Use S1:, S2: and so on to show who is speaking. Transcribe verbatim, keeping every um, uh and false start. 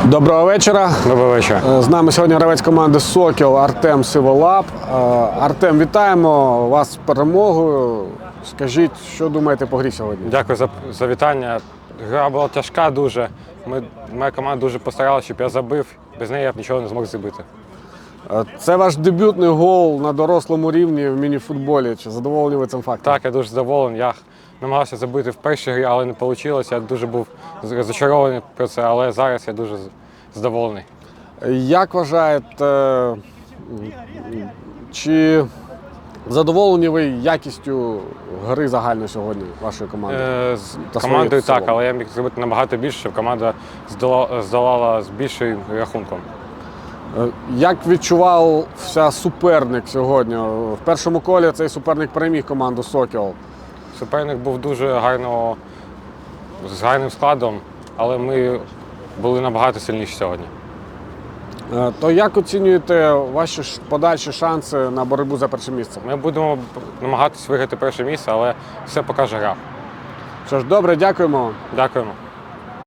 S1: Доброго вечора.
S2: Доброго вечора.
S1: З нами сьогодні гравець команди «Сокіл» Артем Сиволап. Артем, вітаємо вас з перемогою. Скажіть, що думаєте по грі сьогодні?
S2: Дякую за, за вітання. Гра була тяжка дуже. Ми, моя команда дуже постаралася, щоб я забив. Без неї я б нічого не змог забити.
S1: Це ваш дебютний гол на дорослому рівні в міні-футболі. Чи задоволені ви цим фактом?
S2: Так, я дуже задоволений. Я намагався забити в першій грі, але не вийшло. Я дуже був розчарований про це, але зараз я дуже задоволений.
S1: Як вважаєте, чи задоволені ви якістю гри загально сьогодні вашої команди?
S2: Е, з командою так, але я міг зробити набагато більше, щоб команда здолала, здолала з більшим рахунком.
S1: Як відчувався суперник сьогодні? В першому колі цей суперник переміг команду «Сокіл».
S2: Суперник був дуже гарно, з гарним складом, але ми були набагато сильніші сьогодні.
S1: То як оцінюєте ваші подальші шанси на боротьбу за перше місце?
S2: Ми будемо намагатися виграти перше місце, але все покаже гра.
S1: Що ж, добре, дякуємо.
S2: Дякуємо.